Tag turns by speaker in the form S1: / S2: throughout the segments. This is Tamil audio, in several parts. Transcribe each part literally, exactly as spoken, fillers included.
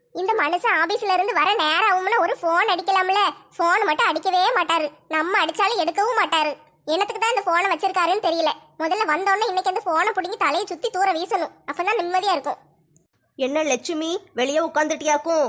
S1: இந்த மனுஷன் ஆபீஸ்ல இருந்து வர நேரம் ஆகும்ல, ஒரு போன் அடிக்கலாம்ல. போன் மட்டும் அடிக்கவே மாட்டாரு, நம்ம அடிச்சாலும் எடுக்கவும் மாட்டாரு. என்னத்துக்கு தான் இந்த போனை வச்சிருக்காருன்னு தெரியல. முதல்ல வந்தோடனே இன்னைக்கு அந்த போனை பிடிங்கி தலையை சுத்தி தூர வீசணும், அப்பதான் நிம்மதியா இருக்கும்.
S2: என்ன லட்சுமி வெளியே உட்காந்துட்டியாக்கும்?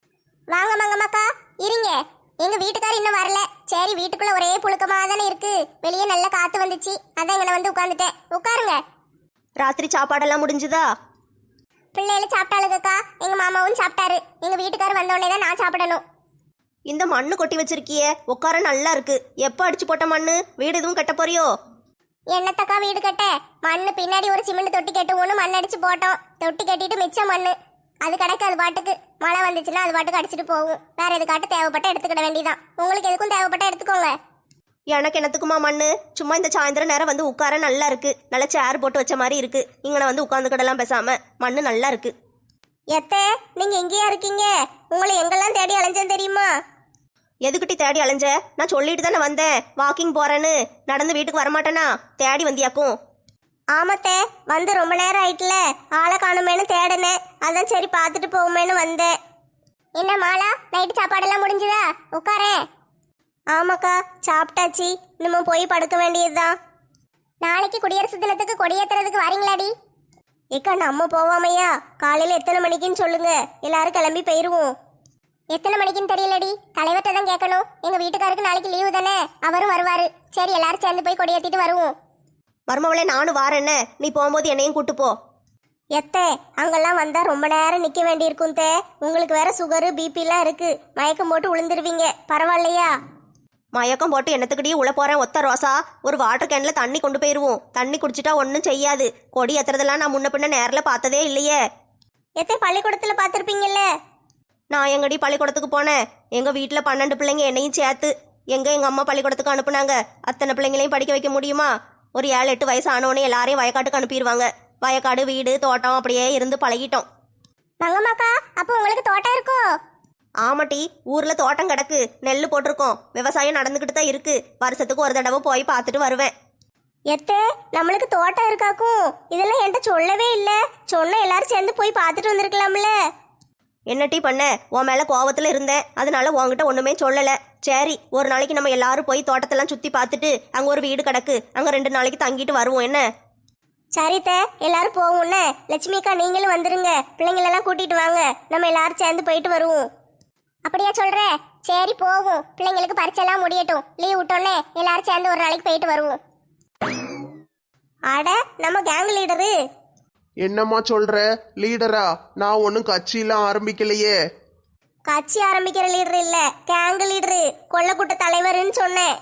S1: வாங்க மங்கம்மாக்கா, இருங்க. எங்க வீட்டுக்காரர் இன்னும் வரல. சரி, வீட்டுக்குள்ள ஒரே புழுக்கமா தானே இருக்கு, வெளியே நல்ல காத்து வந்துச்சு, அதான் இங்க வந்து உட்காந்துட்டேன். உட்காருங்க.
S2: ராத்திரி சாப்பாடெல்லாம் முடிஞ்சுதா?
S1: பிள்ளைகள் சாப்பிட்டாளுக்கா, எங்க மாமாவும் சாப்பிட்டாரு. எங்க வீட்டுக்காரர் வந்தோடனே தான் நான் சாப்பிடணும்.
S2: இந்த மண்ணு கொட்டி வச்சிருக்கியே, உட்கார நல்லா இருக்கு. எப்போ அடிச்சு போட்ட மண்ணு? வீடு எதுவும் கட்ட போறியோ?
S1: என்னத்தக்கா வீடு கட்ட? மண்ணு பின்னாடி ஒரு சிமெண்ட் தொட்டி கட்டு ஒன்று மண் அடிச்சு போட்டோம். தொட்டி கட்டிட்டு மிச்சம் மண்ணு அது கிடக்கு. அது பாட்டுக்கு மழை வந்துச்சுன்னா அது பாட்டுக்கு அடிச்சுட்டு போகும். வேற எதுக்காட்டு தேவைப்பட்ட எடுத்துக்கிட வேண்டியதான். உங்களுக்கு எதுக்கும் தேவைப்பட்ட எடுத்துக்கோங்க.
S2: எனக்கு என்னத்துக்குமா மண்ணு? சும்மா இந்த சாயந்தரம் நேரம் வந்து உட்கார நல்லா இருக்கு. நல்ல சேர் போட்டு வச்ச மாதிரி இருக்கு. இங்கே வந்து உட்காந்துக்கிடலாம் பேசாம. மண்ணு நல்லா இருக்கு.
S1: எத்தே, நீங்க எங்கேயா இருக்கீங்க? உங்களை எங்கெல்லாம் தேடி அலைஞ்சேன் தெரியுமா?
S2: எதுக்கிட்டி தேடி அலைஞ்ச? நான் சொல்லிட்டு தானே வந்தேன் வாக்கிங் போறேன்னு. நடந்து வீட்டுக்கு வரமாட்டேனா? தேடி வந்தியாக்கும்?
S1: ஆமத்தே, வந்து ரொம்ப நேரம் ஆயிட்டுல, ஆளை காணுமேனு தேடினேன். அதான் சரி பார்த்துட்டு போவோமேனு வந்தேன். என்ன மாலா, நைட்டு சாப்பாடெல்லாம் முடிஞ்சுதா? உட்காரேன். ஆமாக்கா, சாப்பிட்டாச்சு. இன்னமும் போய் படுக்க வேண்டியதுதான். நாளைக்கு குடியரசு தினத்துக்கு கொடியேத்துறதுக்கு வரீங்களாடி? ஏக்கா, நம்ம போவாமையா? காலையில எத்தனை மணிக்குன்னு சொல்லுங்க, எல்லாரும் கிளம்பி போயிருவோம். எத்தனை மணிக்குன்னு தெரியலடி, தலைவர்கிட்ட தான் கேட்கணும். எங்க வீட்டுக்காருக்கு நாளைக்கு லீவு தானே, அவரும் வருவாரு. சரி, எல்லாரும் சேர்ந்து போய் கொடியேத்திட்டு வருவோம்.
S2: மருமவளே, நானும் வாரேன்ன. நீ போகும்போது என்னையும் கூட்டு போ.
S1: எத்தே, அங்கெல்லாம் வந்தா ரொம்ப நேரம் நிக்க வேண்டியிருக்கும் தே. உங்களுக்கு வேற சுகரு பிபிலாம் இருக்கு, மயக்கம் போட்டு விழுந்துருவீங்க. பரவாயில்லையா?
S2: மயக்கம் போட்டு என்னத்துக்கிட்டே உள்ள போறேன் ஒத்த ரோசா. ஒரு வாட்டர் கேன்ல தண்ணி கொண்டு போயிருவோம். தண்ணி குடிச்சிட்டா ஒன்றும் செய்யாது. கொடி ஏத்துறதெல்லாம் நான் முன்ன பின்ன நேரில் பார்த்ததே இல்லையே.
S1: எத்தே, பள்ளிக்கூடத்துல பார்த்துருப்பீங்கல்ல.
S2: நான் எங்கடி பள்ளிக்கூடத்துக்கு போனேன்? எங்க வீட்டில் பன்னெண்டு பிள்ளைங்க என்னையும் சேர்த்து. எங்க எங்க அம்மா பள்ளிக்கூடத்துக்கு அனுப்புனாங்க? அத்தனை பிள்ளைங்களையும் படிக்க வைக்க முடியுமா? ஒரு ஏழு எட்டு வயசு ஆனவனே எல்லாரையும் வயக்காட்டுக்கு அனுப்பிடுவாங்க. வயக்காடு வீடு தோட்டம் அப்படியே இருந்து பழகிட்டோம்.
S1: மங்கம்மாக்கா, அப்போ உங்களுக்கு தோட்டம் இருக்கோ?
S2: ஆமாட்டி, ஊர்ல தோட்டம் கிடக்கு. நெல் போட்டிருக்கோம். விவசாயம் நடந்துக்கிட்டு தான் இருக்கு. வருஷத்துக்கு ஒரு தடவை போய் பார்த்துட்டு வருவேன்.
S1: எத்தே, நம்மளுக்கு தோட்டம் இருக்காக்கும். இதெல்லாம் என்கிட்ட சொல்லவே இல்லை. சொன்ன எல்லாரும் சேர்ந்து போய் பார்த்துட்டு வந்திருக்கலாம்ல.
S2: என்னட்டி பண்ண? உன் மேல கோவத்துல இருந்தேன், அதனால உன்கிட்ட ஒண்ணுமே சொல்லல. சரி, ஒரு நாளைக்கு நம்ம எல்லாரும் போய் தோட்டத்தெல்லாம் சுத்தி பார்த்துட்டு அங்க ஒரு வீடு கிடக்கு, அங்க ரெண்டு நாளைக்கு தங்கிட்டு வருவோம். என்ன?
S1: சரித்தே, எல்லாரும் போவோம்னே. லட்சுமிக்கா, நீங்களும் வந்துருங்க. பிள்ளைங்களெல்லாம் கூட்டிட்டு வாங்க, நம்ம எல்லாரும் சேர்ந்து போயிட்டு வருவோம். அப்படியா சொல்ற? சரி, போவோம். பிள்ளைங்களுக்கு பரீட்சைலாம் முடியட்டும். லீவ் விட்டோன்னே எல்லாரும் சேர்ந்து ஒரு நாளைக்கு போயிட்டு வருவோம். அட, நம்ம கேங் லீடரு.
S3: என்னம்மா சொல்ற? லீடரா? நான் ஒன்றும் கட்சியெல்லாம் ஆரம்பிக்கலையே.
S1: கட்சி ஆரம்பிக்கிற லீடர் இல்ல, கேங் லீடரு, கொள்ளக்கூட்ட தலைவர்னு சொன்னேன்.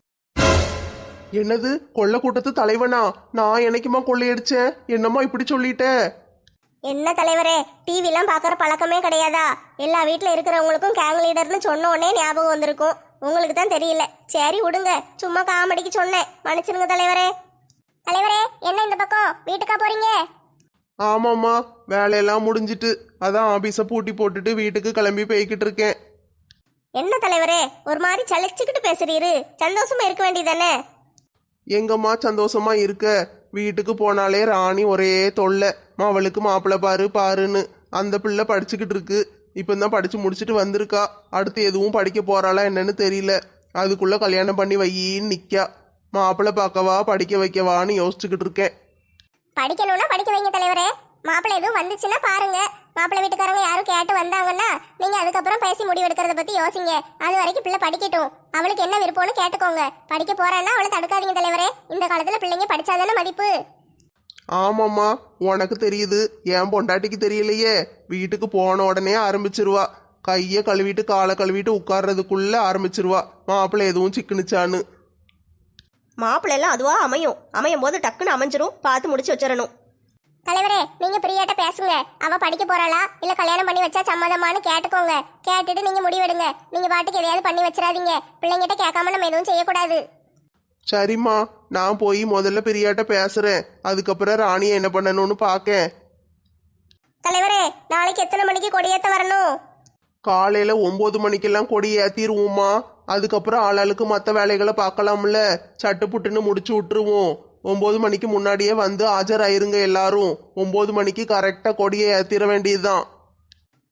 S3: என்னது, கொள்ள கூட்டத்து தலைவனா? நான் என்னைக்குமா கொள்ளையடிச்சேன்? என்னம்மா இப்படி சொல்லிட்ட?
S1: என்ன தலைவரே, டிவிலாம் பார்க்குற பழக்கமே கிடையாதா? எல்லா வீட்டில் இருக்கிறவங்களுக்கும் கேங் லீடர்னு சொன்ன உடனே ஞாபகம் வந்திருக்கும். உங்களுக்கு தான் தெரியல. சரி விடுங்க, சும்மா காமெடிக்கு சொன்னேன், மன்னிச்சிருங்க தலைவரே. தலைவரே, என்ன இந்த பக்கம் வீட்டுக்கா போறீங்க?
S3: ஆமாம்மா, வேலையெல்லாம் முடிஞ்சிட்டு அதான் ஆபீஸை பூட்டி போட்டுட்டு வீட்டுக்கு கிளம்பி போய்கிட்டு இருக்கேன்.
S1: என்ன தலைவரே, ஒரு மாதிரி சலிச்சுக்கிட்டு பேசுறீரு? சந்தோஷமா இருக்க வேண்டியதானே?
S3: எங்கம்மா சந்தோஷமா இருக்க? வீட்டுக்கு போனாலே ராணி ஒரே தொல்லை. அவளுக்கு மாப்பிள்ளை பாரு பாருன்னு. அந்த பிள்ளை படிச்சுக்கிட்டு இருக்கு. இப்போதான் படிச்சு முடிச்சுட்டு வந்திருக்கா. அடுத்து எதுவும் படிக்க போறாளா என்னன்னு தெரியல. அதுக்குள்ள கல்யாணம் பண்ணி வையின்னு நிக்கா. மாப்பிள்ளை பார்க்கவா படிக்க வைக்கவான்னு யோசிச்சுக்கிட்டு இருக்கேன்.
S1: படிக்கணும்னா படிக்க வைங்க தலைவரே. மாப்பிள்ளை எதுவும் வந்துச்சுன்னா பாருங்க. மாப்பிள்ளை வீட்டுக்காரங்க யாரும் கேட்டு வந்தாங்கன்னா நீங்க அதுக்கப்புறம் பேசி முடிவெடுக்கிறத பத்தி யோசிங்க. அது வரைக்கும் பிள்ளை படிக்கட்டும். அவளுக்கு என்ன விருப்பம்னு கேட்டுக்கோங்க. படிக்க போறான்னா அவளை தடுக்காதீங்க தலைவரே. இந்த காலத்துல பிள்ளைங்க படிச்சாதானே மதிப்பு.
S3: ஆமாம்மா, உனக்கு தெரியுது, என் பொண்டாட்டிக்கு தெரியலையே. வீட்டுக்கு போன உடனே ஆரம்பிச்சிருவா. கையை கழுவிட்டு காலை கழுவிட்டு உட்கார்றதுக்குள்ள ஆரம்பிச்சிருவா மாப்பிள்ளை எதுவும் சிக்குனுச்சான்னு.
S2: மாப்பிள்ளை எல்லாம் அதுவா அமையும். அமையும் போது டக்குன்னு அமைஞ்சிரும். பார்த்து முடிச்சு வச்சிடணும்.
S1: தலைவரே, நீங்க பிரியாட்ட பேசுங்க. அவ படிக்க போறாளா இல்ல கல்யாணம் பண்ணி வச்சா சம்மதமானு கேட்டுக்கோங்க. கேட்டுட்டு நீங்க முடிவெடுங்க. நீங்க பாட்டுக்கு எதையாவது பண்ணி வச்சிடாதீங்க. பிள்ளைங்கிட்ட கேட்காம நம்ம எதுவும் செய்யக்கூடாது.
S3: சரிம்மா, நான் போய் முதல்ல பெரியாட்ட பேசுறேன். அதுக்கப்புறம் ராணியை என்ன பண்ணணும்னு பார்க்கேன்.
S1: தலைவரே, நாளைக்கு எத்தனை மணிக்கு கொடியேத்த வரணும்?
S3: காலையில ஒன்பது மணிக்கெல்லாம் கொடி ஏத்திருவோம்மா. அதுக்கப்புறம் ஆளாளுக்கு மற்ற வேலைகளை பார்க்கலாம்ல. சட்டு புட்டுன்னு முடிச்சு விட்டுருவோம். ஒன்பது மணிக்கு முன்னாடியே வந்து ஆஜராயிருங்க எல்லாரும். ஒன்பது மணிக்கு கரெக்டா கொடியை ஏத்திர வேண்டியதுதான்.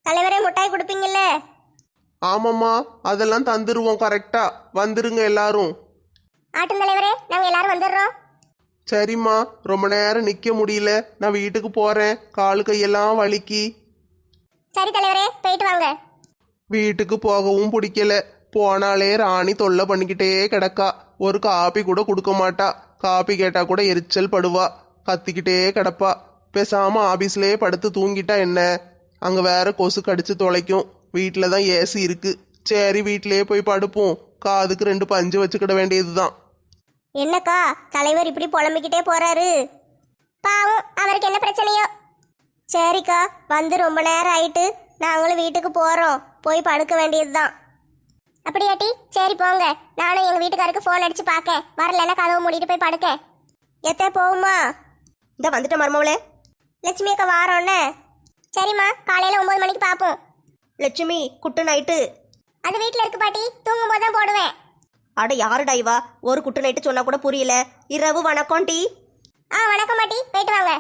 S1: தலைவரே முட்டாய் கொடுப்பீங்கல்ல?
S3: ஆமாம்மா, அதெல்லாம் தந்துருவோம் கரெக்டா. வந்துருங்க எல்லாரும்.
S1: ஆட்டும் தலைவரே, நாங்க எல்லாரும் வந்துடுறோம்.
S3: சரிம்மா, ரொம்ப நேரம் நிக்க முடியல, நான் வீட்டுக்கு போறேன். காலு கையெல்லாம் வலிக்கி.
S1: சரி தலைவரே, போயிட்டு வாங்க.
S3: வீட்டுக்கு போகவும் பிடிக்கல. போனாலே ராணி தொல்லை பண்ணிக்கிட்டே கிடக்கா. ஒரு காப்பி கூட கொடுக்க மாட்டா. காப்பி கேட்டா கூட எரிச்சல் படுவா. கத்திக்கிட்டே கிடப்பா. பேசாம ஆபீஸ்லயே படுத்து தூங்கிட்டா என்ன? அங்க வேற கொசு கடிச்சு தொலைக்கும். வீட்டில தான் ஏசி இருக்கு. சரி, வீட்டிலேயே போய் படுப்போம். காதுக்கு ரெண்டு பஞ்சு வச்சுக்கிட வேண்டியதுதான்.
S1: என்னக்கா தலைவர் இப்படி புலம்பிக்கிட்டே போறாரு? பாவம், அவருக்கு என்ன பிரச்சனையோ? சரிக்கா, வந்து ரொம்ப நேரம் ஆயிட்டு. நாங்களும் வீட்டுக்கு போறோம். போய் படுக்க வேண்டியதுதான். அப்படியாட்டி? சரி போங்க. நானும் எங்க வீட்டுக்காருக்கு ஃபோன் அடிச்சு பார்க்க. வரலன்னா கதவை மூடிட்டு போய் படுக்க. எத்த போகுமா?
S2: இந்த வந்துட்ட மருமவளே.
S1: லட்சுமி அக்கா வாரோன்னு. சரிம்மா, காலையில ஒன்பது மணிக்கு பார்ப்போம்.
S2: Lakshmi, good night.
S1: அது வீட்டில் இருக்கு பாட்டி, தூங்கும் போது தான் போடுவேன்.
S2: அட யாருடா இவா? ஒரு குட்டு நைட்டு சொன்னா கூட புரியல. இரவு வணக்கம் டி.
S1: ஆ வணக்கம் பாட்டி, போயிட்டு வாங்க.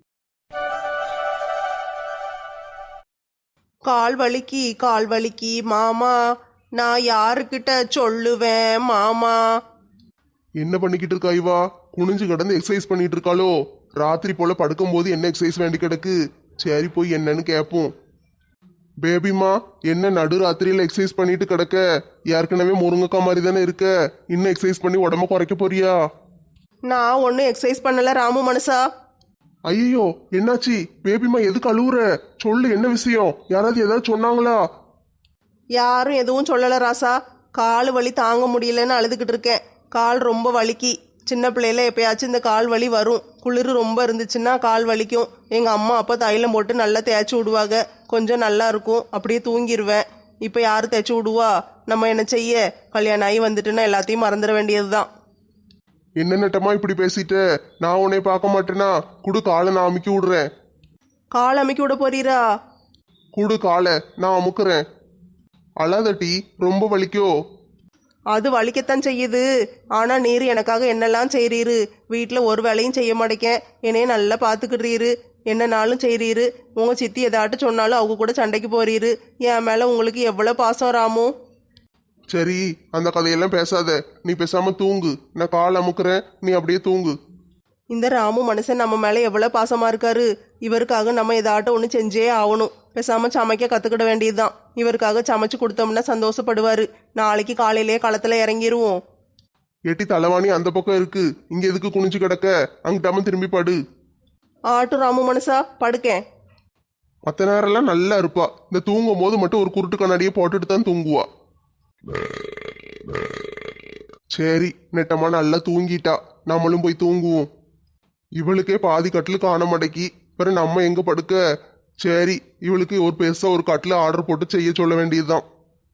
S4: கால் வலிக்கி கால் வலிக்கி மாமா, நான் யாருக்கிட்ட சொல்லுவேன் மாமா?
S3: என்ன பண்ணிக்கிட்டு இருக்கா இவா? குனிஞ்சு கிடந்து எக்ஸசைஸ் பண்ணிட்டு இருக்காளோ? ராத்திரி போல படுக்கும்போது என்ன எக்ஸசைஸ் வேண்டி கிடக்கு? சரி, போய் என்னன்னு கேட்போம். பேபிமா, என்ன நடு ராத்திரியில எக்ஸசைஸ் பண்ணிட்டு கிடக்க? ஏற்கனவே முருங்கக்கா மாதிரி தானே இருக்க. இன்னும் எக்ஸசைஸ் பண்ணி உடம்ப குறைக்க போறியா?
S4: நான் ஒன்றும் எக்ஸசைஸ் பண்ணல ராமு மனுஷா.
S3: ஐயோ, என்னாச்சு? பேபிமா எதுக்கு அழுவுற? சொல்லு, என்ன விஷயம்? யாராவது ஏதாவது சொன்னாங்களா?
S4: யாரும் எதுவும் சொல்லல ராசா. கால் வலி தாங்க முடியலன்னு அழுதுகிட்டு இருக்கேன். கால் ரொம்ப வலிக்கி. சின்ன பிள்ளையில எப்பயாச்சும் இந்த கால் வலி வரும். குளிர் ரொம்ப இருந்துச்சுன்னா கால் வலிக்கும். எங்கள் அம்மா அப்பா தைலம் போட்டு நல்லா தேய்ச்சி விடுவாங்க. கொஞ்சம் நல்லா இருக்கும். அப்படியே தூங்கிடுவேன். இப்போ யார் தேய்ச்சி விடுவா? நம்ம என்ன செய்ய? கல்யாணம் ஆகி வந்துட்டுன்னா எல்லாத்தையும் மறந்துட வேண்டியது தான்.
S3: என்ன நட்டமா இப்படி பேசிட்ட? நான் உன்னை பார்க்க மாட்டேனா? குடு காலை, நான் அமுக்கி விடுறேன்.
S4: கால் அமைக்கி விட போறீரா?
S3: குடு காலை, நான் அமுக்குறேன். அழாதட்டி, ரொம்ப வலிக்கோ?
S4: அது வலிக்கத்தான் செய்யுது. ஆனால் நீர் எனக்காக என்னெல்லாம் செய்கிறீரு. வீட்டில் ஒரு வேலையும் செய்ய மாட்டேக்கேன். என்னைய நல்லா பார்த்துக்கிடுறீரு. என்னன்னாலும் செய்கிறீரு. உங்கள் சித்தி எதாட்டும் சொன்னாலும் அவங்க கூட சண்டைக்கு போறீரு. என் மேலே உங்களுக்கு எவ்வளோ பாசம் ராமு.
S3: சரி, அந்த கதையெல்லாம் பேசாத. நீ பேசாம தூங்கு. நான் கால் அமுக்குறேன், நீ அப்படியே தூங்கு.
S4: இந்த ராமு மனுஷன் நம்ம மேலே எவ்வளோ பாசமாக இருக்காரு. இவருக்காக நம்ம எதாட்டும் ஒன்று செஞ்சே ஆகணும். பேசாமல் சமைக்க கற்றுக்கிட வேண்டியதுதான். இவருக்காக சமைச்சு கொடுத்தோம்னா சந்தோஷப்படுவார். நாளைக்கு காலையிலேயே களத்தில் இறங்கிடுவோம்.
S3: எட்டி தலைவாணி அந்த பக்கம் இருக்கு. இங்க எதுக்கு குனிஞ்சு கிடக்க? அங்கிட்டாம திரும்பி படு.
S4: ஆட்டு ராமு மனுஷா, படுக்கேன்.
S3: மற்ற நேரம்லாம் நல்லா இருப்பா. இந்த தூங்கும் போது மட்டும் ஒரு குருட்டு கண்ணாடியை போட்டுட்டு தான் தூங்குவா. சரி, நெட்டமா நல்லா தூங்கிட்டா. நம்மளும் போய் தூங்குவோம். இவளுக்கே பாதி கட்டில் காண மாட்டேக்கி. பிறகு நம்ம எங்க படுக்க? சரி, இவளுக்கு ஒரு பெருசா ஒரு கட்டில் ஆர்டர் போட்டு செய்ய சொல்ல வேண்டியதுதான்.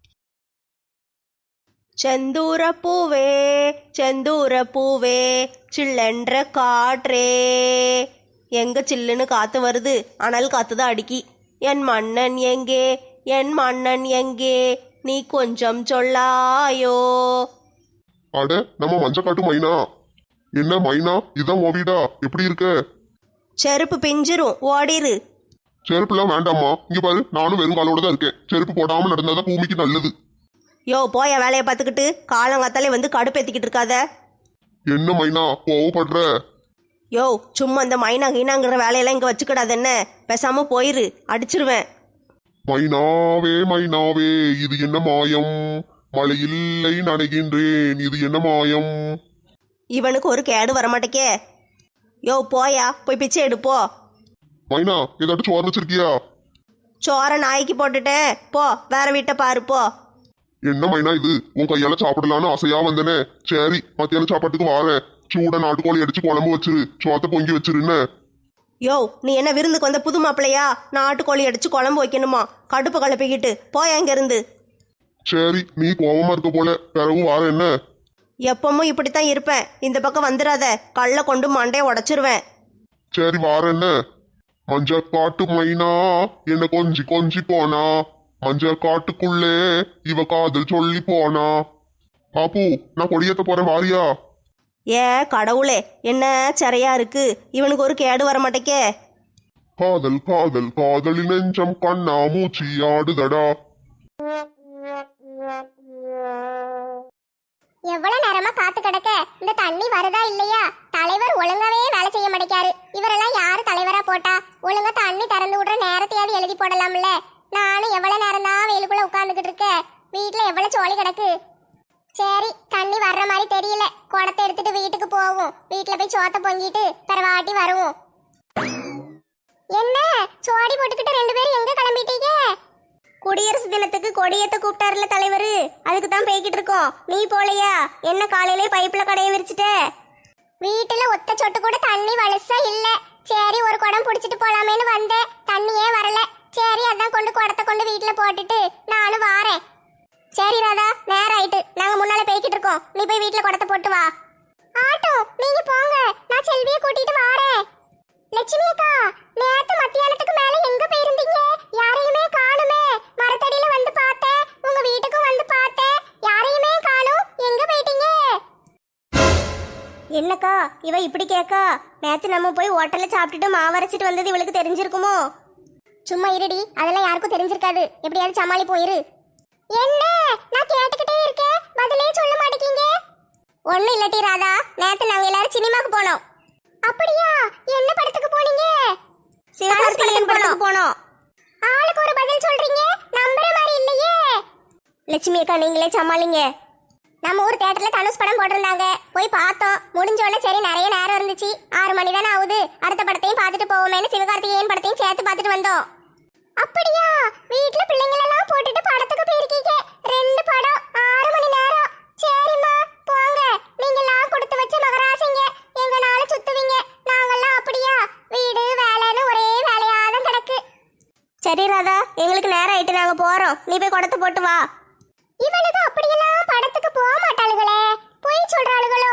S2: செந்தூர பூவே செந்தூர பூவே சில்லென்ற காற்றே. எங்க சில்லுன்னு காத்து வருது, அனல் காத்து தான் அடிக்கி. என் மன்னன் எங்கே, என் மன்னன் எங்கே, நீ கொஞ்சம் சொல்லாயோ.
S3: அட, நம்ம மஞ்சக்காட்டு மைனா. என்ன மைனா, இதான் ஓவிடா? எப்படி இருக்க?
S2: செருப்பு பிஞ்சிரும், ஓடிரு.
S3: செருப்புலாம் வேண்டாமா. இங்க பாரு, நானும் வெறும் காலோட தான் இருக்கேன். செருப்பு போடாம நடந்தாதான் பூமிக்கு நல்லது.
S2: யோ, போய வேலையை பார்த்துக்கிட்டு காலங்காத்தாலே வந்து கடுப்பேத்திக்கிட்டு இருக்காத.
S3: என்ன மைனா கோவப்படுற?
S2: யோ, சும்மா இந்த மைனா கீனாங்கிற வேலையெல்லாம் இங்கே வச்சுக்கிடாது என்ன. பேசாம போயிரு, அடிச்சிருவேன்.
S3: மைனாவே மைனாவே, இது என்ன மாயம்? மழையில்லை நனைகின்றேன், இது என்ன மாயம்?
S2: இவனுக்கு ஒரு கேடு வரமாட்டேக்கே. யோ, போயா, போய் பிச்சை எடுப்போ.
S3: மைனா, ஏதாட்டும் சோறு வச்சிருக்கியா?
S2: சோற நாய்க்கு போட்டுட்டேன், போ வேற வீட்டை பாரு போ.
S3: என்ன மைனா இது? உன் கையால சாப்பிடலான்னு ஆசையா வந்தனே. சரி, மத்தியான சாப்பாட்டுக்கு வாரேன். சூட நாட்டுக்கோழி அடிச்சு குழம்பு வச்சிரு, சோத்த பொங்கி வச்சிருன்னு.
S2: யோ, நீ என்ன விருந்துக்கு வந்த புது மாப்பிள்ளையா? நாட்டுக்கோழி அடிச்சு குழம்பு வைக்கணுமா? கடுப்பு கலப்பிக்கிட்டு போயா இங்க இருந்து.
S3: சரி, நீ கோவமா இருக்க போல. பிறகு வாரேன் என்ன?
S2: எப்பவும் இப்படித்தான் இருப்பேன். இந்த பக்கம் வந்துடாத, கல்ல கொண்டு மண்டைய உடைச்சிருவேன்.
S3: சரி, வாரேன் என்ன? மஞ்ச காட்டு மைனா என்ன கொஞ்சி கொஞ்சி போனா, மஞ்ச காட்டுக்குள்ளே இவ காதல் சொல்லி போனா. பாப்பு, நான் கொடியேத்த போறேன், வாரியா?
S2: ஏ கடவுளே, என்ன சரியா இருக்கு. இவனுக்கு ஒரு கேடு வரமாட்டேக்கே.
S5: காதல் காதல் காதலின் நெஞ்சம் கண்ணா மூச்சி ஆடுதடா.
S1: எவ்வளவு நேரமா காத்து கிடக்க இந்த தண்ணி வருதா இல்லையா? தலைவர் ஒழுங்காவே வேலை செய்ய மாட்டேக்காரு. இவரெல்லாம் யாரு தலைவரா போட்டா? ஒழுங்கா தண்ணி திறந்து விடுற நேரத்தையாவது எழுதி போடலாம்ல. நானும் எவ்வளவு நேரம் தான் வெயிலுக்குள்ள உட்கார்ந்துகிட்டு இருக்கேன். வீட்டுல எவ்வளவு சோழி கிடக்கு. சரி, தண்ணி வர்ற மாதிரி தெரியல. குடத்தை எடுத்துட்டு வீட்டுக்கு போவோம். வீட்டுல போய் சோத்த பொங்கிட்டு பிறவாட்டி வருவோம். என்ன சோடி போட்டுக்கிட்டு ரெண்டு பேரும் எங்க கிளம்பிட்டீங்க?
S2: குடியரசு தினத்துக்கு கொடியேத்த கூப்பிட்டாருல தலைவர், அதுக்கு தான் போய்கிட்டு இருக்கோம். நீ போலையா? என்ன காலையிலே பைப்ல கடையை விரிச்சிட்ட?
S1: வீட்டுல ஒத்த சொட்டு கூட தண்ணி வலுசா இல்ல. சரி, ஒரு குடம் புடிச்சிட்டு போலாமேன்னு வந்தேன். தண்ணியே வரல. சரி, அதான் கொண்டு குடத்தை கொண்டு வீட்டுல போட்டுட்டு நானும் வாரேன். சரி ராதா, நேரம் ஆயிட்டு. நாங்க முன்னால போய்கிட்டு இருக்கோம். நீ போய் வீட்டுல குடத்தை போட்டு வா. ஆட்டோ, நீங்க போங்க, நான் செல்வியை கூட்டிட்டு வாரேன். லட்சுமி அக்கா, நேத்து மத்தியானத்துக்கு மேல எங்க போயிருந்தீங்க? யாரையுமே காணுமே. மரத்தடியில வந்து பார்த்தேன், உங்க வீட்டுக்கும் வந்து பார்த்தேன். யாரையுமே காணும். எங்க போயிட்டீங்க?
S2: என்னக்கா இவ இப்படி கேக்கா? நேத்து நம்ம போய் ஹோட்டல்ல சாப்பிட்டுட்டு மாவரைச்சிட்டு வந்தது இவளுக்கு தெரிஞ்சிருக்குமோ?
S1: சும்மா இருடி, அதெல்லாம் யாருக்கும் தெரிஞ்சிருக்காது. எப்படியாவது சமாளி போயிரு. என்ன நான் கேட்டுக்கிட்டே இருக்கேன், பதிலே சொல்ல மாட்டேங்க.
S2: ஒன்னும் இல்லட்டி ராதா, நேத்து நாங்க எல்லாரும் சினிமாக்கு போனோம்.
S1: அப்படியா? என்ன படத்துக்கு போனீங்க?
S2: சிவகார்த்திகேயன் படத்துக்கு போனோம்.
S1: ஆளுக்கு ஒரு பதில் சொல்றீங்க, நம்புற மாதிரி இல்லையே.
S2: லட்சுமி அக்கா நீங்களே சமாளிங்க.
S1: நம்ம ஊர் தியேட்டர்ல தனுஷ் படம் போட்டிருந்தாங்க, போய் பார்த்தோம். முடிஞ்ச உடனே சரி நிறைய நேரம் இருந்துச்சு, ஆறு மணி தானே ஆகுது, அடுத்த படத்தையும் பார்த்துட்டு போவோமேனு சிவகார்த்திகேயன் படத்தையும் சேர்த்து பார்த்துட்டு வந்தோம். அப்படியா? வீட்டுல பிள்ளைங்களெல்லாம் போட்டுட்டு படத்துக்கு போயிருக்கீங்க. ரெண்டு படம், ஆறு மணி நேரம். சரிம்மா போங்க, நீங்கெல்லாம் கொடுத்து வச்ச மகராசிங்க. எங்க நாள சுத்துவீங்க. நாங்கெல்லாம் அப்படியா? வீடு வேலைன்னு ஒரே வேலையாதான் கிடக்கு.
S2: சரி ராதா, எங்களுக்கு நேரம் ஆயிட்டு, நாங்க போறோம். நீ போய் குடத்தை போட்டு வா.
S1: இவனுக்கு அப்படியெல்லாம் படத்துக்கு போக மாட்டாளுகளே, போய் சொல்றாளுகளோ.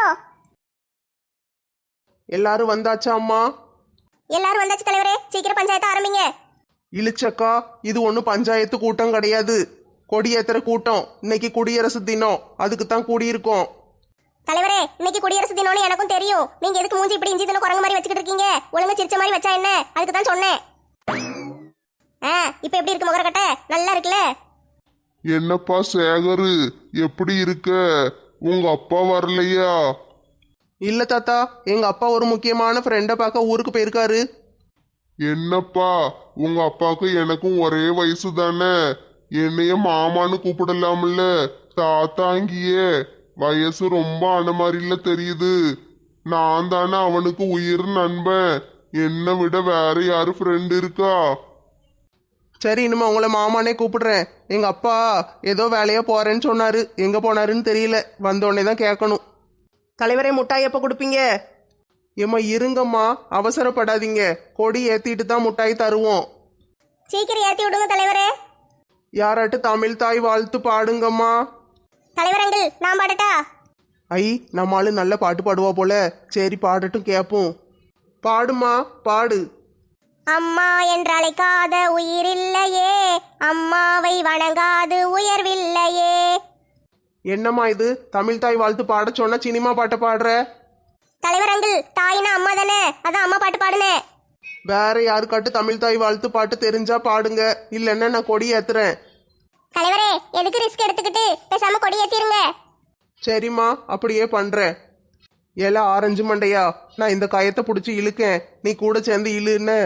S3: எல்லாரும் வந்தாச்சா அம்மா?
S2: எல்லாரும் வந்தாச்சு தலைவரே, சீக்கிரம் பஞ்சாயத்து ஆரம்பிங்க.
S3: இழிச்சக்கா, இது ஒன்றும் பஞ்சாயத்து கூட்டம் கிடையாது, கொடியேத்துற கூட்டம். இன்னைக்கு குடியரசு தினம், அதுக்கு தான் கூடியிருக்கோம்.
S2: தலைவரே, இன்னைக்கு குடியரசு தினம்னு எனக்கும் தெரியும். நீங்க எதுக்கு மூஞ்சி இப்படி இஞ்சி தினம் குரங்கு மாதிரி வச்சுக்கிட்டு இருக்கீங்க? ஒழுங்கா சிரிச்ச மாதிரி வச்சா என்ன? அதுக்கு தான் சொன்னேன். ஆ, இப்போ எப்படி இருக்கு முகரக்கட்டை? நல்லா இருக்குல்ல?
S5: என்னப்பா சேகரு, எப்படி இருக்க? உங்க அப்பா வரலையா?
S3: இல்ல தாத்தா, எங்க அப்பா ஒரு முக்கியமான ஃப்ரெண்டை பார்க்க ஊருக்கு போயிருக்காரு.
S5: என்னப்பா, உங்க அப்பாவுக்கு எனக்கும் ஒரே வயசு தானே, என்னைய மாமான்னு கூப்பிடலாம்ல? தாத்தாங்கியே வயசு ரொம்ப ஆன மாதிரில தெரியுது. நான் தானே அவனுக்கு உயிர் நண்பன். என்னை விட வேற யாரு ஃப்ரெண்ட் இருக்கா?
S3: சரி, இனிமே உங்களை மாமானே கூப்பிடுறேன். எங்க அப்பா ஏதோ வேலையா போறேன்னு சொன்னாரு, எங்க போனாருன்னு தெரியல. வந்த உடனே தான் கேட்கணும்.
S4: தலைவரே, முட்டாய் எப்போ கொடுப்பீங்க?
S3: ஏம்மா இருங்கம்மா, அவசரப்படாதீங்க. கொடி ஏத்திட்டு தான் முட்டாய் தருவோம்.
S2: சீக்கிரம் ஏத்தி விடுங்க தலைவரே.
S3: யாராட்டு தமிழ் தாய் வாழ்த்து பாடுங்கம்மா.
S2: தலைவரங்கள் நான் பாடட்டா?
S3: ஐ, நம்ம ஆளு நல்ல பாட்டு பாடுவா போல. சரி பாடட்டும், கேட்போம். பாடுமா, பாடு.
S2: அம்மா என்றழைக்காத உயிரில்லையே, அம்மாவை வணங்காது உயர்வில்லையே.
S3: என்னம்மா இது, தமிழ் தாய் வாழ்த்து பாட சொன்னா சினிமா பாட்டை பாடுற?
S2: தலைவரங்கள், தாயினா அம்மா தானே, அதான் அம்மா பாட்டு பாடுனேன்.
S3: வேற யாருக்காட்டு தமிழ் தாய் வாழ்த்து பாட்டு தெரிஞ்சா பாடுங்க, இல்லைன்னா நான் கொடி ஏத்துறேன்.
S1: தலைவரே, எதுக்கு ரிஸ்க் எடுத்துக்கிட்டு பேசாம கொடி ஏத்திருங்க.
S3: சரிம்மா, அப்படியே பண்றேன். ஏல ஆரஞ்சு மண்டையா, நான் இந்த கயத்தை பிடிச்சி இழுக்கேன், நீ கூட சேர்ந்து இழுன்னு.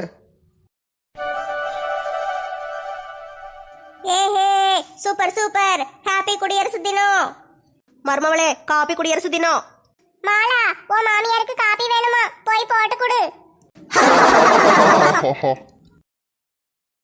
S2: ஏஹே, சூப்பர் சூப்பர், ஹாப்பி குடியரசு தினம். மர்மவளே, காப்பி குடியரசு தினம்.
S1: மாலா, உன் மாமியாருக்கு காப்பி வேணுமா? போய் போட்டு கொடு.
S5: ஹஹா